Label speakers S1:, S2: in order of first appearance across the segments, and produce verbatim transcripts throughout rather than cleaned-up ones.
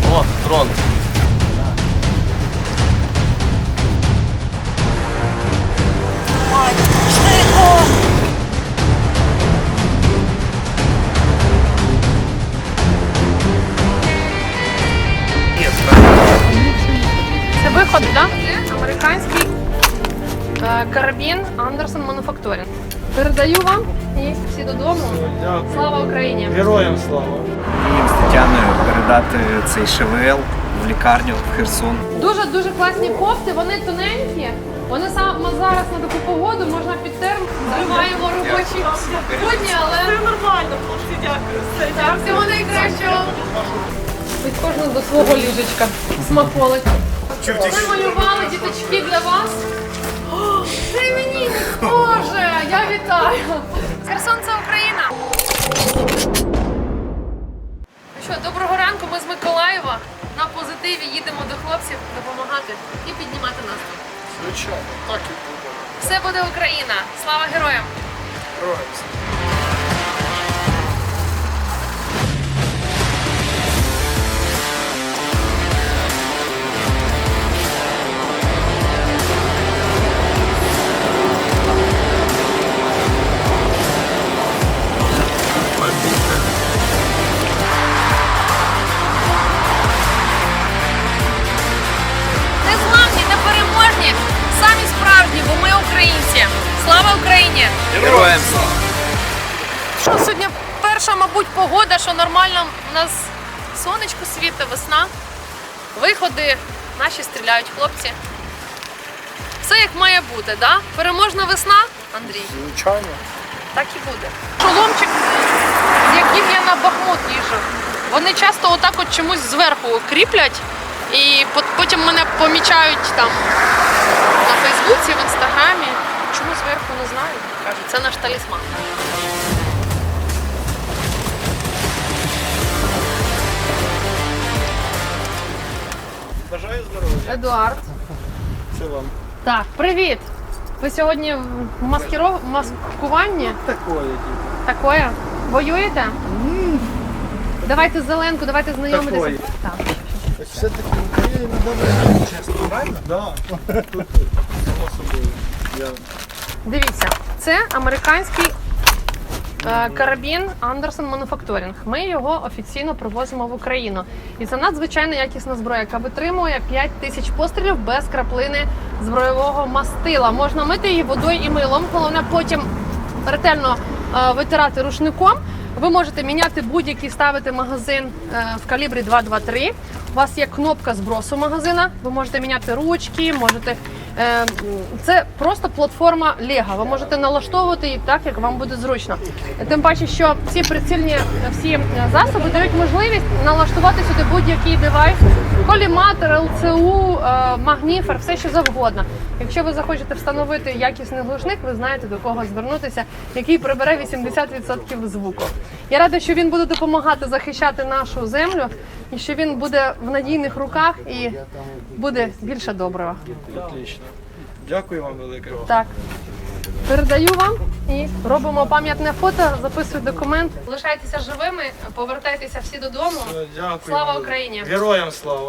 S1: О, дрон.
S2: Це виход, так? Це американський е, карабін Андерсон Мануфакторинг. Передаю вам і всі додому.
S1: Дякую.
S2: Слава Україні!
S1: Героям слава.
S3: Їм з Тетяною передати цей ШВЛ в лікарню в Херсон.
S2: Дуже-дуже класні кофти, вони тоненькі. Вони саме зараз на таку погоду можна під терм. Зриваємо робочі будні, але
S4: Це нормально, хлопці, дякую. Все,
S2: так, всього найкращого. Від кожного до свого ліжечка. Смаколик. Ми малювали діточки для вас. О, це мені, Боже, я вітаю. Херсон – це Україна. Ну що, доброго ранку, ми з Миколаєва. На позитиві їдемо до хлопців допомагати і піднімати настрій.
S1: Звичайно, так і буде.
S2: Все буде Україна. Слава героям!
S1: Героям слава.
S2: Незламні, непереможні, самі справжні, бо ми українці. Слава Україні!
S3: Героям слава!
S2: Що сьогодні перша, мабуть, погода, що нормально у нас сонечко світить, весна. Виходи, наші стріляють хлопці. Все як має бути, да? Переможна весна, Андрій?
S1: Звичайно.
S2: Так і буде. Шоломчик, з яким я на Бахмут їжджу, вони часто отак от чомусь зверху кріплять, і потім мене помічають там на Фейсбуці, в Інстаграмі. Чому зверху, не знаю. Кажуть, це наш талісман.
S1: Бажаю здоров'я.
S2: Едуард.
S1: Це вам.
S2: Так, привіт! Ви сьогодні в маскіров... маскуванні?
S1: Такое типу.
S2: Такое? Воюєте? Давайте зеленку, давайте знайомитися.
S1: Такої.
S2: Так.
S1: Все-таки в Україні добре, чесно, правильно? Да. Тут, само собою. Я...
S2: Дивіться, це американський е, карабін Андерсон Мануфакторинг. Ми його офіційно привозимо в Україну. І це надзвичайно якісна зброя, яка витримує п'ять тисяч пострілів без краплини збройового мастила. Можна мити її водою і милом. Головне потім ретельно е, витирати рушником. Ви можете міняти будь-який, ставити магазин е, в калібрі два два три. У вас є кнопка збросу магазина, ви можете міняти ручки, можете. Е, це просто платформа Lego. Ви можете налаштовувати її так, як вам буде зручно. Тим паче, що ці прицільні всі засоби дають можливість налаштувати сюди будь-який девайс, коліматор, ел це у, е, магніфер, все що завгодно. Якщо ви захочете встановити якісний глушник, ви знаєте, до кого звернутися, який прибере вісімдесят відсотків звуку. Я рада, що він буде допомагати захищати нашу землю і що він буде в надійних руках і буде більше доброго.
S1: Отлично. Дякую вам велике.
S2: Так, передаю вам і робимо пам'ятне фото, записую документ. Лишайтеся живими, повертайтеся всі додому.
S1: Все, Дякую.
S2: Слава
S1: вам.
S2: Україні!
S1: Героям слава.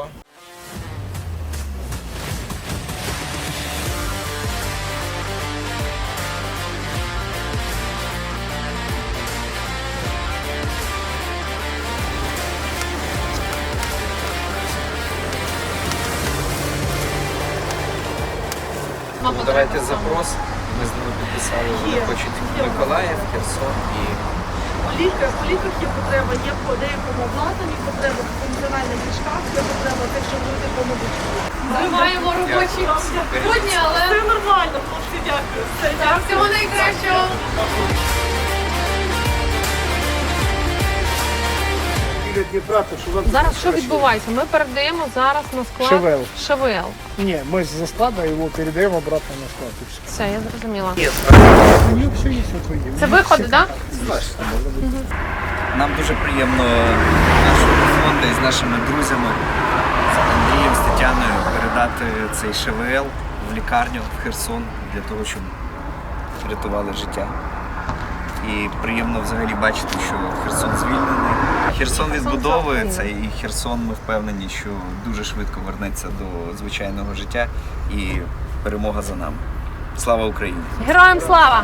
S2: Мама,
S3: Давайте запрос. Ми з ними підписали, вони хочуть Миколаїв, Херсон і
S4: У ліках, у ліках є потреба, є по деякому обладнанні, потреба в функціональних ліжках, є потреба тих, що люди помогуть.
S2: Зриваємо робочі будні, але
S4: Це нормально, хлопці, дякую. Все,
S2: так,
S4: дякую.
S2: всього найкращого. Зараз що відбувається? Ми передаємо зараз на склад
S5: ШВЛ.
S2: ШВЛ.
S5: Не, мы со склада его передаем обратно на склад. и всё.
S2: Все, я зрозуміла.
S5: У них все есть, вот вы видите.
S2: Це виходи, так?
S3: нам дуже приємно нашого фонду і з нашими друзями, з Андрієм, з Тетяною передати цей ШВЛ в лікарню в Херсон для того, щоб рятували життя. І приємно взагалі бачити, що Херсон звільнений. Херсон відбудовується, і Херсон, ми впевнені, що дуже швидко вернеться до звичайного життя, і перемога за нами. Слава Україні!
S2: Героям слава!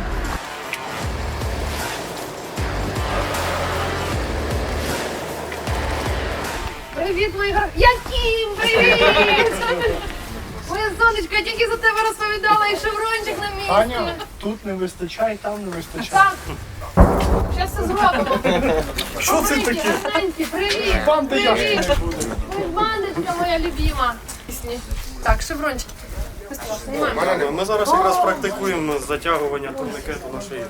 S2: Привіт, мої герої! Яким? Привіт! Моя сонечко, я тільки за тебе розповідала, і шеврончик на місці.
S5: Аня, тут не вистачає, там не вистачає.
S2: Так. Зараз все зробимо.
S5: Що це
S2: Маленькі,
S5: таке?
S2: гарненькі, привіт!
S5: Банда
S2: Привіт!
S5: яшки не буде.
S2: Ой, бандочка моя любима. Так, шеврончик. Знімаємо.
S6: Ми зараз якраз практикуємо затягування турникету на шиї.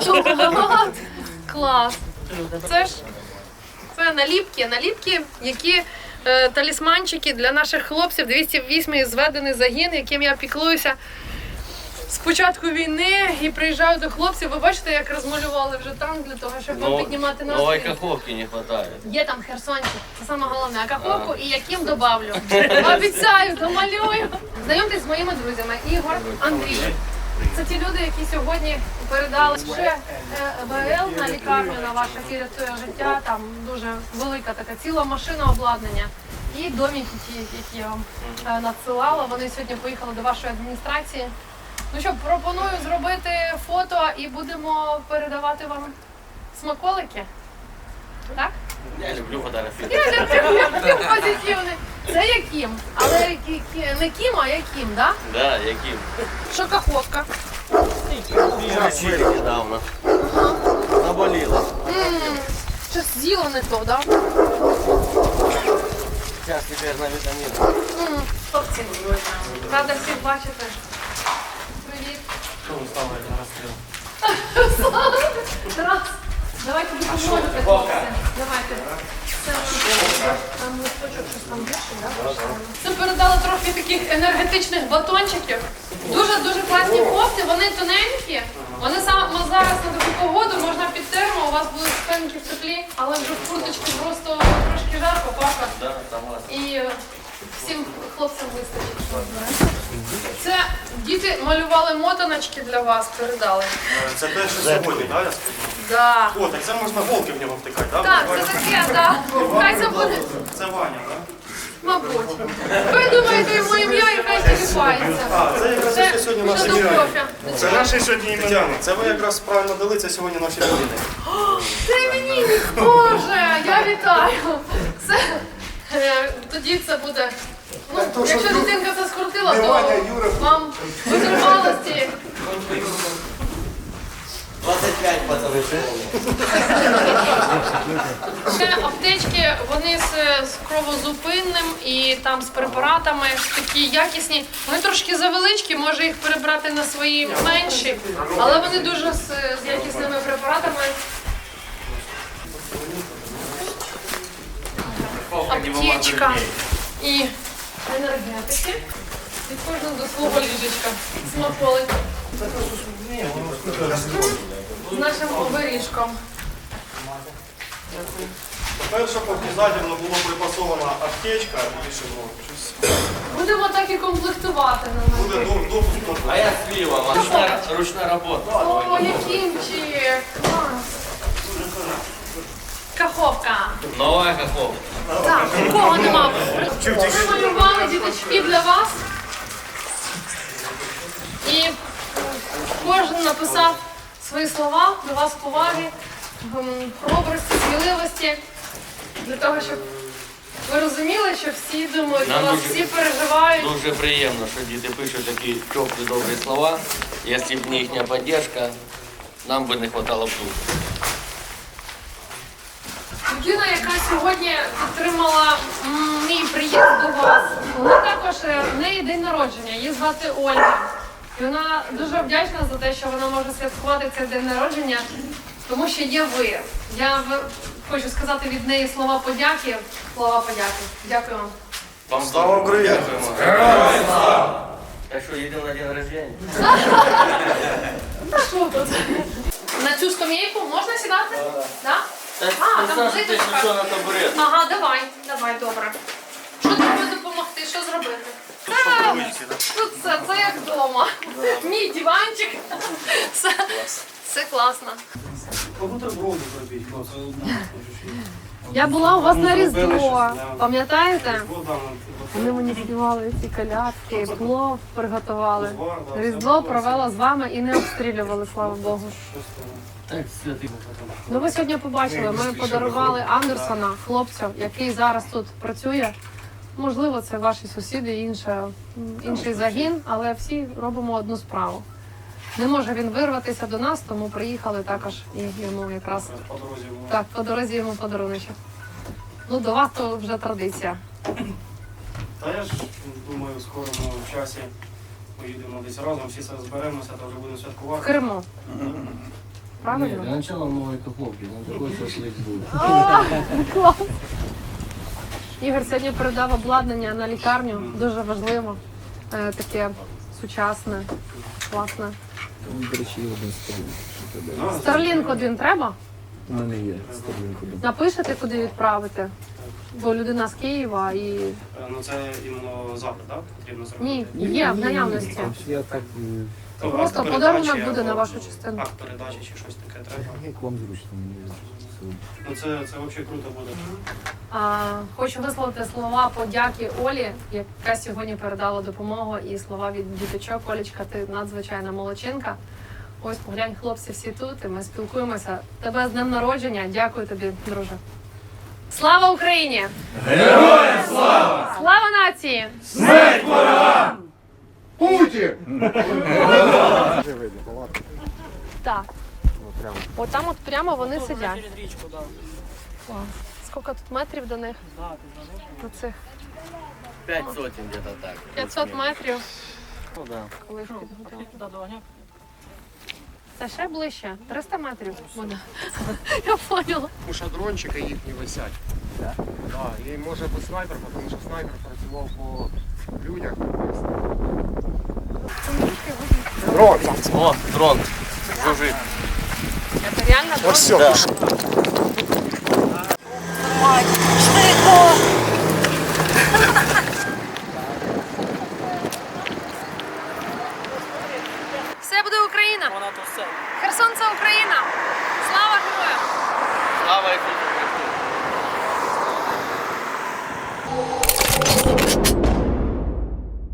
S2: Клас. Це ж це наліпки, наліпки, які е, талісманчики для наших хлопців. двісті восьмий зведений загін, яким я піклуюся з початку війни і приїжджаю до хлопців. Ви бачите, як розмалювали вже танк для того, щоб вам піднімати
S7: Новой
S2: настрій.
S7: каховки не хватает.
S2: Є там херсончик, це саме головне. А каховку і яким добавлю. Обіцяю, домалюю. Знайомтесь з моїми друзями. Ігор, Андрій. Це ті люди, які сьогодні передали ще е, ВЛ на лікарню, на ваше які рятує життя. Там дуже велика така ціла машина обладнання. І домики ті, які я вам е, надсилала. Вони сьогодні поїхали до вашої адміністрації. Ну що, пропоную зробити фото і будемо передавати вам смаколики. Так?
S7: Я люблю фотографировать.
S2: Я люблю, я люблю позитивний. Це яким? Але кі- кі- не кім, а яким, так?
S7: Да, яким?
S2: Що каховка?
S7: Лечили недавно. Наболело.
S2: М, Щось з'їла не то, так?
S7: Сейчас теперь на витамины.
S2: М, Хлопці, рада всіх бачити. Привіт.
S6: Що ви ставите на розстріл?
S2: Тарас, давайте допоможете, хлопці. Давайте. Це там листочок, щось там більше, так? Це передали трохи таких енергетичних батончиків. Дуже-дуже класні кофти, вони тоненькі. Вони саме зараз на таку погоду можна під термо, у вас будуть спинки в теплі, але вже в курточці просто трошки жарко, пака.
S7: Да, согласен.
S2: І е, всім хлопцям вистачить. що знаєте. Це діти малювали мотаночки для вас, передали.
S6: Це те, що сьогодні, так, я сподіваюся?
S2: Да.
S6: О, так це можна голки в нього втикати, так?
S2: Так, це таке, так. Хай це буде,
S6: Це Ваня, так?
S2: мабуть. Ви думаєте йому ім'я і хай телефається.
S6: А, це якраз
S2: Це
S6: те, що сьогодні
S2: вже
S6: наші
S2: до
S6: діти.
S2: кофе.
S6: Це наші сьогодні імені. Це ви якраз правильно дали, це сьогодні наші родини.
S2: Це іменинник, Боже, я вітаю. Це, е, тоді це буде, ну, якщо дитинка це скрутила, то вам витривалості.
S7: двадцать пять пацаны.
S2: Це аптечки, вони з, з кровозупинним і там з препаратами такі якісні. Вони трошки завеличкі, може їх перебрати на свої менші, але вони дуже з, з якісними препаратами. Аптечка і енергетики. Від кожного до свого ліжечка. Смаколик. З нашим оберіжком.
S6: Перше, обов'язково було припасована аптечка і шеврон. Щось
S2: Будемо так і комплектувати на
S6: буде
S2: мене.
S6: до- допуск до
S7: А я с пивом. Ручная, ручная работа.
S2: О, якимчик! Клас! Каховка!
S7: Новая каховка.
S2: Так, нікого нема. Намалювали діточки для вас. І кожен написав свої слова до вас поваги, м, хоробрості, сміливості, для того, щоб ви розуміли, що всі думають,
S7: Нам
S2: вас
S7: дуже-
S2: всі переживають.
S7: Дуже приємно, що діти пишуть такі теплі, добрі слова. Якщо б не їхня підтримка, нам би не хватало б тут.
S2: Людина, яка сьогодні підтримала м, мій приїзд до вас, вона також е, в неї день народження, її звати Ольга. І вона дуже вдячна за те, що вона може святкувати цей день народження, тому що є ви. Я в- хочу сказати від неї слова подяки. Слова подяки. Дякую вам.
S7: Вам
S6: Слава Україні!
S7: Так що, їдемо на день рождения?
S2: Та що тут? На цю скам'яйку можна сідати? Да?
S7: Так,
S2: А,
S7: ти
S2: там
S7: знаєш, ти
S2: плиточка.
S7: що на табурет.
S2: Ага, давай, давай, добре. Що тобі допомогти? Що зробити? Та, тут все, це як вдома. Мій диванчик. Все, все класно.
S6: Бутерброди зробіть,
S2: Я була у вас на
S6: зробили
S2: Різдво,
S6: щось, да.
S2: пам'ятаєте?
S6: Різдво, да, ну,
S2: Вони мені співали ці колядки, плов приготували.
S6: Узвар, да,
S2: Різдво
S6: все
S2: провела з вами і не обстрілювали, слава Богу.
S6: щось там.
S7: Так, святий.
S2: Ну ви сьогодні побачили, ми подарували Андерсона, хлопцю, який зараз тут працює. Можливо, це ваші сусіди, інша, інший загін, але всі робимо одну справу. Не може він вирватися до нас, тому приїхали також і йому якраз
S6: По дорозі було.
S2: так, по дорозі йому подаруночок. Ну, до вас то вже традиція.
S6: Та я ж думаю, в скорому часі поїдемо десь разом, всі зберемося, та вже будемо
S2: В
S6: святкувати.
S2: Криму.
S7: Ні,
S2: Правильно?
S7: для начала нової каховки, на такой шашлик буде.
S2: О, клас! Ігор сьогодні передав обладнання на лікарню, дуже важливо. Е, таке сучасне, класне.
S3: До речі, один столик.
S2: Старлінк один треба?
S3: У мене є столик один.
S2: Напишете, куди відправити? Бо людина з Києва і...
S6: Е, Ну це іменно запит, так? Потрібно зробити.
S2: Ні, є в наявності.
S3: Я так, е,
S6: Ну,
S2: Просто
S6: акт
S2: подарунок
S6: передачі
S2: буде на
S6: або
S2: вашу частину.
S6: Акт передачі чи щось таке треба.
S3: як вам зручно. мені
S6: Ну це, це взагалі круто буде.
S2: А, хочу висловити слова подяки Олі, яка сьогодні передала допомогу, і слова від діточок. Олечка, ти надзвичайна молодчинка. Ось поглянь, хлопці всі тут, і ми спілкуємося. Тебе з днем народження. Дякую тобі, друже. Слава Україні! Героям слава! Слава нації!
S5: Путін!
S2: Так. От там от прямо вони сидять. Клас. Скільки тут метрів до них? До цих
S7: П'ять сотень где-то так.
S2: п'ятсот метрів.
S7: Ну да.
S2: Коли ж підготовили. Це ще ближче, триста метрів буде. Я поняла.
S5: У шадрончика їхні висять. Да? Да, і може би снайпер, тому що снайпер працював по людях. Дрон!
S7: О, дрон.
S5: Жужи.
S2: Це реально дрон?
S5: Ось все.
S8: Швидко!